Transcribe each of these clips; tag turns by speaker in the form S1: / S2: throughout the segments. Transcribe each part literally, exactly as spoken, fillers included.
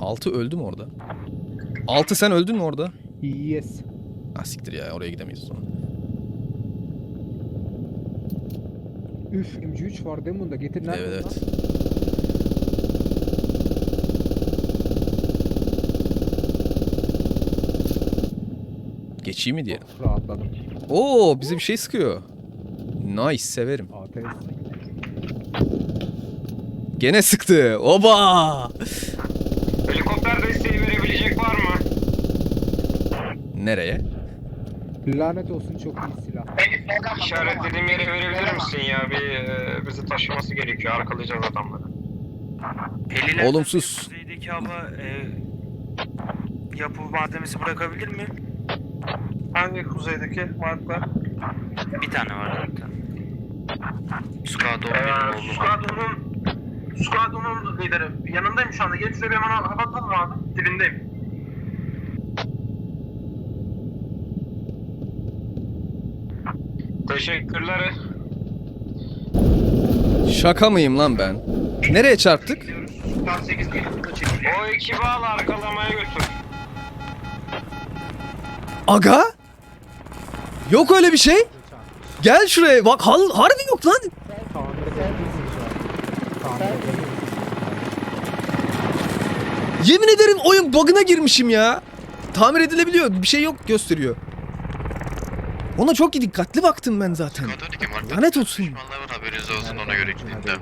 S1: Altı öldü mü orada? Altı sen öldün mü orada?
S2: Yes.
S1: Ah siktir ya, oraya gidemeyiz o zaman.
S2: Üf, M G üç var değil mi bunda? Getir nerede?
S1: Evet evet. Geçeyim mi diyelim?
S2: Oh, rahatladım.
S1: Oo, bize bir şey sıkıyor. Nice, severim.
S2: A T S.
S1: Gene sıktı. Oba!
S3: Helikopter desteği verebilecek var mı?
S1: Nereye?
S2: Lanet olsun, çok iyi silah.
S3: İşaretlediğim yere verebilir misin ya? Bir e, bizi taşıması gerekiyor. Arkalayacağız adamları.
S4: Helilerden
S1: Olumsuz.
S4: biri kuzeydeki hava e, yapı malzemesi bırakabilir mi?
S3: Hangi kuzeydeki marklar?
S4: Bir tane var zaten. Skado
S3: Ee,
S4: benim oğlum.
S3: Squadron'un Squadron'un lideri. Yanındayım şu anda. Gelip şuraya bir hemen hava atalım abi. Dibindeyim. Teşekkürler.
S1: Şaka mıyım lan ben? Nereye çarptık?
S3: Star sekiz O ekibi al, arkalamaya götür.
S1: Aga? Yok öyle bir şey. Gel şuraya. Bak hal harbi yok lan.
S2: Tamir edebilirsin şu an. Tamir edebilirsin.
S1: Yemin ederim oyun bug'ına girmişim ya. Tamir edilebiliyor. Bir şey yok gösteriyor. Ona çok dikkatli baktım ben zaten. Lanet olsun.
S5: Düşmanların haberiniz olsun, ona göre gidin.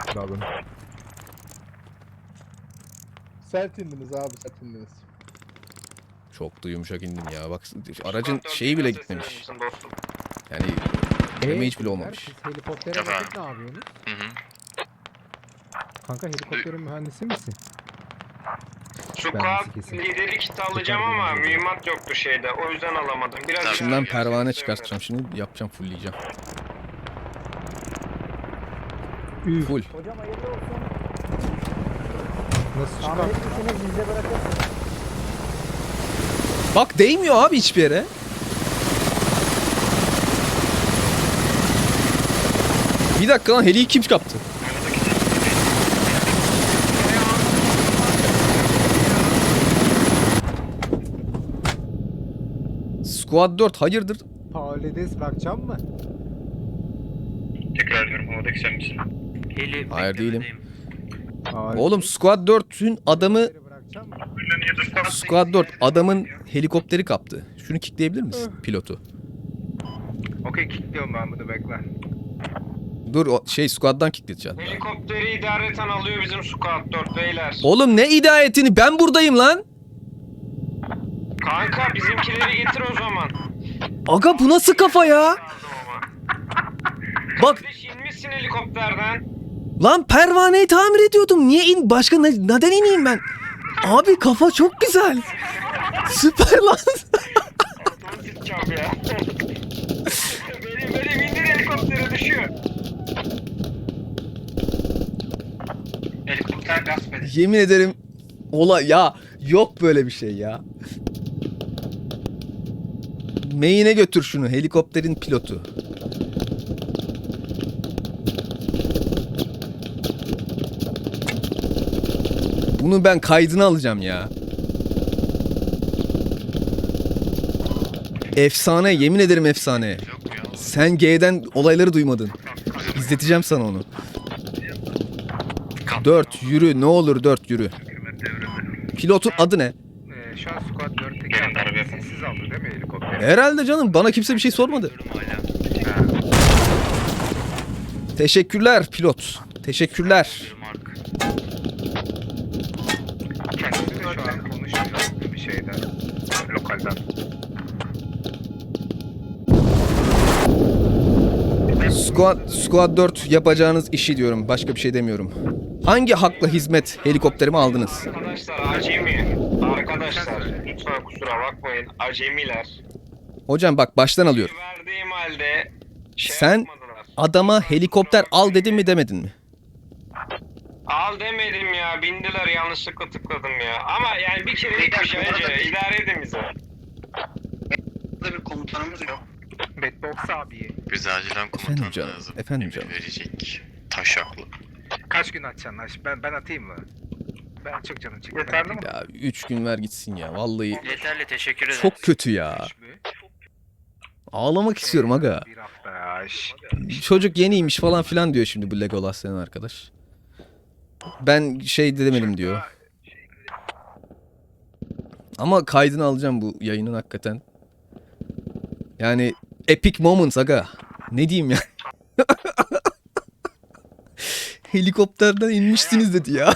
S6: Sert indiniz abi, sert indiniz.
S1: Çok da yumuşak indim ya. Bak aracın şeyi bile gitmemiş. Yani damage bile olmamış.
S2: Siz helikoptere
S5: Tamam.
S2: bakıp ne yapıyorsunuz?
S5: Hı hı.
S2: Kanka helikopterin mühendisi misin?
S3: Squad
S2: kesin.
S3: lideri kiti alacağım ama mühimmat yoktu şeyde. O yüzden alamadım. Biraz
S5: Tabii.
S1: İçimden pervane çıkartacağım şimdi. Yapacağım, fullleyeceğim.
S2: Üf.
S1: Full.
S2: Nasıl çıkar?
S1: Bak değmiyor abi hiçbir yere. Bir dakika lan, heliyi kim kaptı? Squad dört hayırdır?
S2: Paulides bırakacağım mı?
S3: Tekrar ediyorum, havadaki sen misin?
S4: Heli
S1: Hayır, değilim.
S4: beklemedeyim.
S2: Paulides
S1: Oğlum Squad dört'ün adamı
S2: bırakacağım mı?
S1: Squad dört adamın helikopteri kaptı. Şunu kickleyebilir misin pilotu?
S3: Okey, kilitliyorum ben bunu, bekle.
S1: Dur o şey Squad'dan kickleyeceksin.
S3: Helikopteri idareten alıyor bizim Squad dört beyler.
S1: Oğlum ne hidayetini, ben buradayım lan.
S3: Kanka bizimkileri getir o zaman.
S1: Aga bu nasıl kafa ya? Bak
S3: Kardeş, inmişsin helikopterden.
S1: lan, pervaneyi tamir ediyordum. Niye in? Başka ne, neden ineyim ben? Abi kafa çok güzel. Süper lan.
S3: Altıma sıçacağım ya. benim benim indir, helikoptere düşüyor. Helikopter gasp edin.
S1: Yemin ederim ola ya, yok böyle bir şey ya. Main'e götür şunu, helikopterin pilotu. Bunu ben kaydını alacağım ya. Efsane, yemin ederim efsane.
S5: Yok ya.
S1: Sen G'den olayları duymadın. İzleteceğim sana onu. Dört yürü, ne olur dört yürü. Pilotun adı ne?
S3: Ee, şu an Squad dörtteki adam sessiz aldı değil mi helikopteri?
S1: Herhalde canım, bana kimse bir şey sormadı.
S4: Diyorum hala.
S1: Teşekkürler pilot. Teşekkürler.
S4: Bir mark.
S3: Kendisi de şu an konuşmuyor bir şeyden. Lokalden.
S1: Squad, Squad dört yapacağınız işi diyorum. Başka bir şey demiyorum. Hangi hakla hizmet helikopterimi aldınız?
S3: Arkadaşlar acemi. Arkadaşlar lütfen kusura bakmayın. Acemiler.
S1: Hocam bak, baştan alıyorum.
S3: Verdiğim halde şey
S1: Sen
S3: yapmadılar.
S1: adama helikopter al dedin mi demedin mi?
S3: Al demedim ya. Bindiler, yanlışlıkla tıkladım ya. Ama yani bir kerelik bir şey. Önce idare edin bizi.
S7: Burada bir komutanımız yok.
S3: Bedbox abi.
S5: Biz acilen
S1: Efendim
S5: komutan
S1: canım,
S5: lazım.
S1: efendim
S5: Emir
S1: canım.
S5: verecek. Taşaklı.
S3: Kaç gün atacaksın? Ben, ben atayım mı?
S2: Ben çık canım çık.
S4: Yeterli mi?
S1: Ya üç gün ver gitsin ya. Vallahi
S4: Yeterli, teşekkür ederim.
S1: çok kötü ya. Ağlamak istiyorum aga.
S2: Bir hafta ya. şş.
S1: Çocuk yeniymiş falan filan diyor şimdi bu Legolas denen arkadaş. Ben şey demedim diyor. Ama kaydını alacağım bu yayının hakikaten. Yani epic moments aga. Ne diyeyim ya. Helikopterden inmişsiniz dedi ya.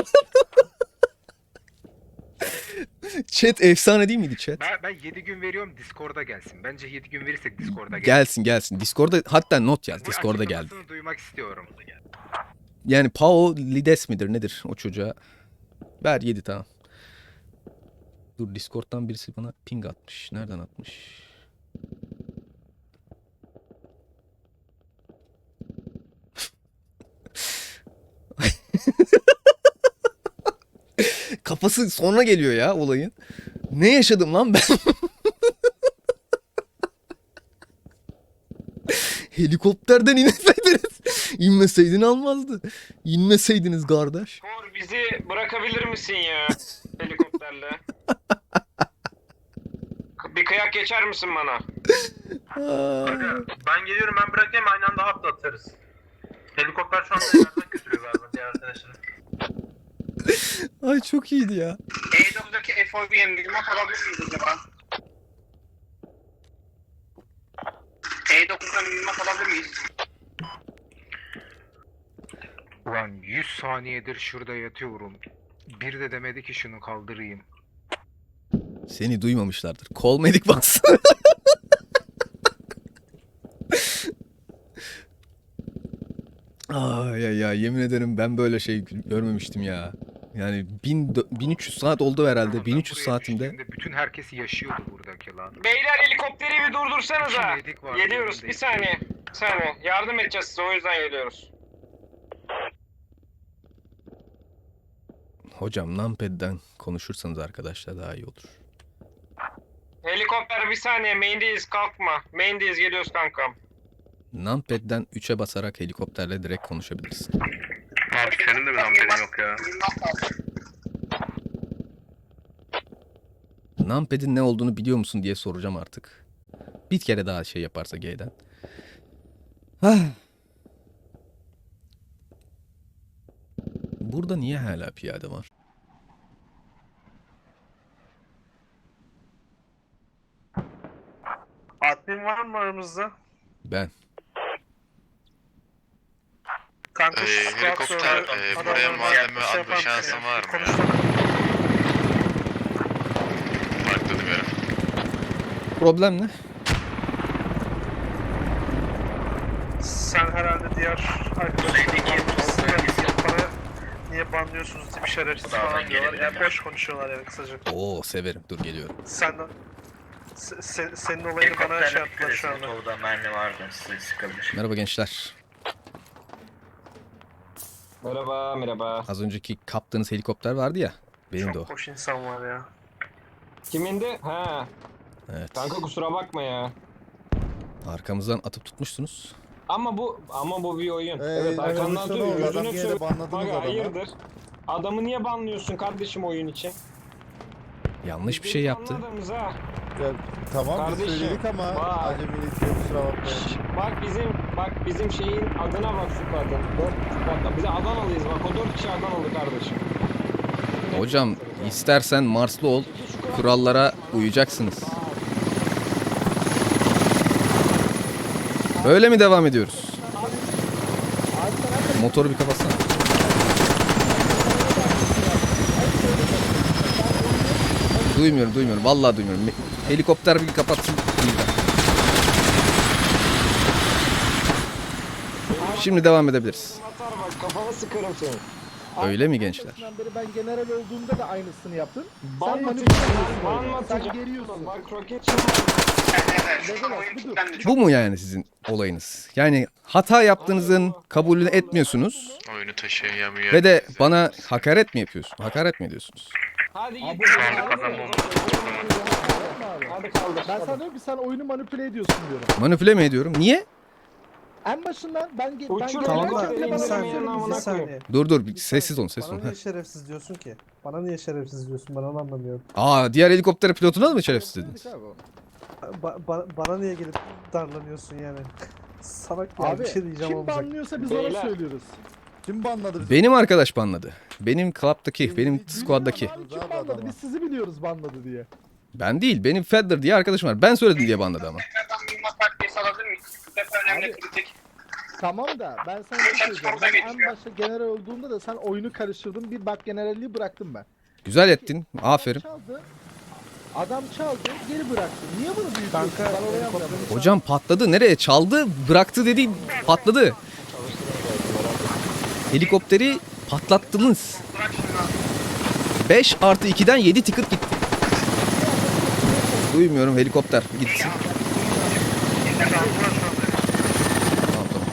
S1: Chat efsane değil miydi chat?
S2: Ben, ben yedi gün veriyorum Discord'a gelsin. Bence yedi gün verirsek Discord'a gelsin.
S1: Gelsin gelsin. Discord'da hatta not yaz.
S2: Bu
S1: Discord'a geldi.
S2: açıklamasını duymak istiyorum.
S1: Yani Pao Lides midir nedir o çocuğa? Ver yedi tamam. Dur Discord'dan birisi bana ping atmış. Nereden atmış? Kafası sonra geliyor ya olayın. Ne yaşadım lan ben? Helikopterden inmeseydiniz. İnmeseydin almazdı. İnmeseydiniz kardeş.
S3: Kor bizi bırakabilir misin ya helikopterle? Bir kıyak geçer misin bana?
S1: Aa,
S4: Ben geliyorum, ben bırakayım, aynı anda hapla atarız. Helikopter şu anda yerden götürüyor galiba diğer arkadaşları.
S1: Ay çok iyiydi ya.
S7: E dokuz'daki F O V'ye mühimmat alabilir miyiz acaba? E dokuz'dan mühimmat alabilir miyiz?
S2: Ulan yüz saniyedir şurada yatıyorum. Bir de demedi ki şunu kaldırayım.
S1: Seni duymamışlardır. Call medic bas. Ay ay ay yemin ederim ben böyle şey görmemiştim ya. Yani bin, bin üç yüz saat oldu herhalde.
S2: Ben
S1: bin üç yüz
S2: buraya
S1: saatimde.
S2: düştüğümde bütün herkes yaşıyordu buradaki lan.
S3: Beyler helikopteri bir durdursanıza.
S2: İki medik var,
S3: Geliyoruz
S2: yanındayız.
S3: bir saniye. Bir saniye. Yardım edeceğiz size o yüzden geliyoruz.
S1: Hocam numpad'den konuşursanız arkadaşlar daha iyi olur.
S3: Helikopter bir saniye main'deyiz kalkma. Main'deyiz geliyoruz kankam.
S1: Numpad'den üçe basarak helikopterle direkt konuşabilirsin.
S7: Abi senin de bir amperin yok ya.
S1: Numpad'in ne olduğunu biliyor musun diye soracağım artık. Bir kere daha şey yaparsa G'den. Ah. Burada niye hala piyade var?
S4: Admin var mı aramızda?
S1: Ben.
S4: Kanka
S5: Ee,
S4: şu squad
S5: helikopter,
S4: server
S5: e,
S4: adamlarına
S5: buraya malzeme
S4: bir şey
S5: atma
S4: yapar
S5: şansın
S4: mısın?
S5: var mı ya?
S4: Konuşalım.
S5: Markladım yere.
S1: Problem ne?
S4: Sen herhalde diğer arkadaşlarla para niye banlıyorsunuz diye bir şerefsiz falan diyorlar. Yani boş konuşuyorlar yani kısaca.
S1: Oo severim. Dur geliyorum.
S4: Senden se, se- senin olayını bana şey yaptılar şu anda.
S6: Orada mermi vardı, size sıkabilir.
S1: Merhaba gençler.
S8: Merhaba, merhaba.
S1: Az önceki kaptığınız helikopter vardı ya. Benim de o.
S4: Çok boş insan var ya.
S8: Kimindi? Ha,
S1: Evet.
S8: kanka kusura bakma ya.
S1: Arkamızdan atıp tutmuşsunuz.
S8: Ama bu ama bu bir oyun.
S9: Ee,
S8: evet, arkandan
S9: revolüsyon oldu,
S8: atıyor.
S9: adam
S8: Yüzünü
S9: gene
S8: sür.
S9: banladınız
S8: Aga,
S9: adamı.
S8: hayırdır? Adamı niye banlıyorsun kardeşim oyun için?
S1: Yanlış bir şey yaptı.
S8: Anladınız ha.
S9: Ya, tamam
S8: Kardeşim,
S9: biz söyledik ama
S8: bak.
S9: acemilik diye kusura bakmayın.
S8: Şşş, bak bizim bak bizim şeyin adına bak şu kadın. Dört bak bize Adanalıyız bak o dört kişi Adanalı kardeşim.
S1: Hocam istersen Marslı ol. Kurallara uyacaksınız. Böyle mi devam ediyoruz? Motoru bir kapatsana. Duymuyorum, duymuyorum. Vallahi duymuyorum. Me- Helikopter bir kapatsın. Şimdi devam edebiliriz.
S8: Atar bak kafana sıkarım seni.
S1: Öyle mi gençler?
S9: Başından beri ben general olduğumda da aynısını yaptın.
S8: Ban
S9: Sen
S8: mı
S9: manipüle
S8: atacaksın?
S9: ediyorsun
S8: Ban
S9: oyunu.
S8: mı
S9: Sen
S8: atacaksın?
S9: geriyorsun.
S8: Bak roket şimdi.
S7: Evet, şu an
S9: Legolas,
S7: oyun
S9: budur.
S7: kilitlendi.
S1: Bu mu yani sizin olayınız? Yani hata yaptığınızın kabulünü etmiyorsunuz
S5: Oyunu taşıyamıyor.
S1: ve de bana hakaret mi yapıyorsun? Hakaret mi ediyorsunuz?
S8: Hadi
S9: Abi,
S8: git.
S9: şu
S8: Hadi
S9: anda
S8: kaldır.
S6: kazanmam.
S9: Yapma abi.
S8: Hadi kaldır.
S9: Ben sana diyorum ki sen oyunu manipüle ediyorsun diyorum.
S1: Manipüle mi ediyorum? Niye?
S9: En başından ben ge- ben
S8: Uçur
S9: gelirken
S8: helikopteri
S9: bile bana
S8: indirmeyen
S9: söylüyorsun.
S8: amına
S9: Bir
S8: koyayım.
S9: saniye.
S1: Dur dur bir
S9: Bir
S1: sessiz
S9: saniye.
S1: olun sessiz olun.
S9: Bana
S1: Heh.
S9: niye şerefsiz diyorsun ki? Bana niye şerefsiz diyorsun? Ben onu anlamıyorum.
S1: Aa diğer helikopter pilotuna da mı şerefsiz dediniz?
S9: Ba- ba- bana niye gelip darlanıyorsun yani? Salak ya
S10: Abi
S9: bir şey diyeceğim
S10: kim
S9: olmayacak.
S10: banlıyorsa biz
S8: Beyler.
S10: ona söylüyoruz. Kim banladı bizi?
S1: Benim arkadaş banladı. Benim club'daki, benim
S10: Bilmiyorum
S1: squad'daki.
S10: abi, kim banladı? Biz sizi biliyoruz banladı diye.
S1: Ben değil, benim Fedder diye arkadaşım var. Ben söyledim diye banladı ama.
S7: Tekrardan mühimmat takviyesi alabilir miyiz? Bu sefer önemli
S10: Abi.
S7: kritik.
S9: Tamam da ben sana bir şey söyleyeceğim. Ben en başta general olduğunda da sen oyunu karıştırdın. Bir bak generalliği bıraktım ben.
S1: Güzel ettin. Aferin.
S9: Adam çaldı. Adam çaldı, geri bıraktı. Niye bunu büyütüyorsun? Ben orayı anlamadım.
S1: Hocam patladı. Nereye? Çaldı, bıraktı dedi. Patladı. Helikopteri patlattınız. beş artı ikiden yedi ticket gitti. Duymuyorum helikopter gitsin. Tamam, tamam.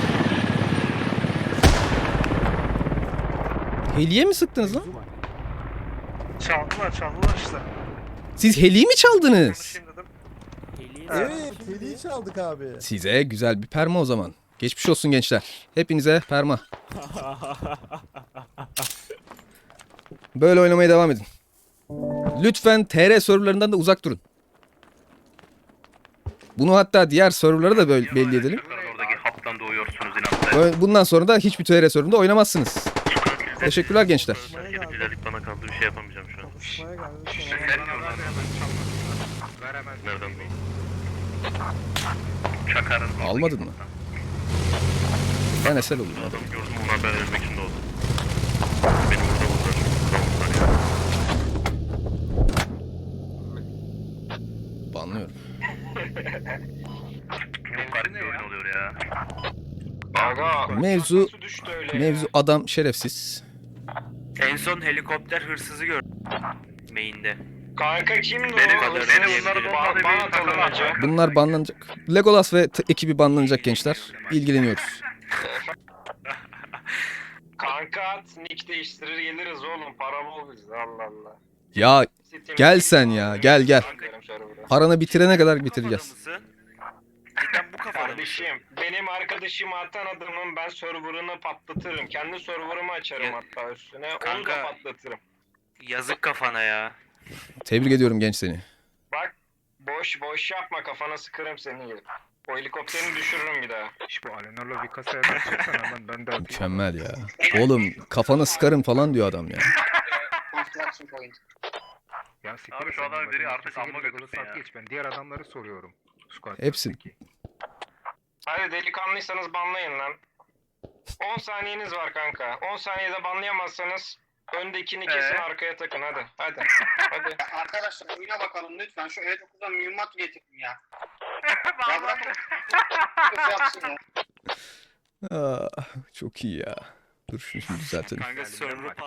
S1: Heliye mi sıktınız lan?
S4: Çaldılar çaldılar işte.
S1: Siz heliyi mi çaldınız?
S4: Konuşayım dedim.
S10: Evet, hediye çaldık abi.
S1: Size güzel bir perma o zaman. Geçmiş olsun gençler. Hepinize perma. Böyle oynamaya devam edin. Lütfen T R serverlarından da uzak durun. Bunu hatta diğer serverlara da böyle belli edelim.
S6: Oradaki haptan doğuyorsunuz inatla.
S1: Böyle- Bundan sonra da hiçbir T R serverında oynamazsınız. Teşekkürler gençler.
S6: Güzellik bana kaldı bir şey yapamayacağım şu an.
S9: Konuşmaya geldim.
S2: Veremez.
S6: Nereden bu? Çakarın.
S1: Almadın mı? Ben esel olayım.
S6: Adam gördüm ona haber vermek için doğdu. Beni burada buldular. Burada buldular ya.
S1: Banlıyorum.
S6: Çok garip bir oyun oluyor ya.
S3: Aga.
S1: Mevzu-
S3: nasıl düştü öyle ya?
S1: Mevzu adam şerefsiz.
S6: En son helikopter hırsızı gördüm. Main'de.
S3: Kanka kimdi o?
S6: Benim-
S3: Hırsız?
S6: benim bunları
S3: Ba-
S6: bombalayıp
S3: Bana
S6: takılan-
S3: tanınacak.
S1: Bunlar banlanacak. Legolas ve t- ekibi banlanacak gençler. İlgileniyoruz.
S3: Kanka at, nick değiştirir geliriz oğlum. Para bol bizde Allah Allah.
S1: Ya
S3: Steam-
S1: gel sen ya, gel, gel.
S3: Giderim server'a.
S1: paranı bitirene kadar bitireceğiz.
S6: Cidden bu kafada mısın?
S3: Kardeşim, benim arkadaşımı atan adamın ben server'ını patlatırım. Kendi server'ımı açarım
S6: Ya-
S3: hatta üstüne. Onu da
S6: Kanka-
S3: patlatırım.
S6: Yazık kafana ya.
S1: Tebrik ediyorum genç seni.
S3: Bak, boş boş yapma, kafana sıkarım seni gelip. O helikopterini düşürürüm bir daha.
S2: İş bu Alenar'la bir kasaya basacaksan hemen ben de atayım.
S1: Mükemmel ya. Oğlum kafana sıkarım falan diyor adam ya.
S7: Construction point.
S2: Ya siktir
S6: Abi
S2: et
S6: şu
S2: sen
S6: adamı
S2: bak,
S6: biri
S2: ben
S6: artık
S2: kimse
S6: amma
S2: gelip
S6: götürsün
S2: saat
S6: ya.
S2: Geç, ben diğer adamları soruyorum. Squad
S1: Hepsi.
S2: dörtteki.
S3: Hadi delikanlıysanız banlayın lan. on saniyeniz var kanka. on saniyede banlayamazsanız öndekini kesin
S6: Ee?
S3: arkaya takın hadi. Hadi. Hadi.
S7: Arkadaşlar oyuna bakalım lütfen. Şu E dokuzdan mühimmat getirin ya. Ya bırakın. Kız yapsın ya.
S1: Aa, çok iyi ya. Dur şunu şimdi düzeltelim.
S6: Kanka server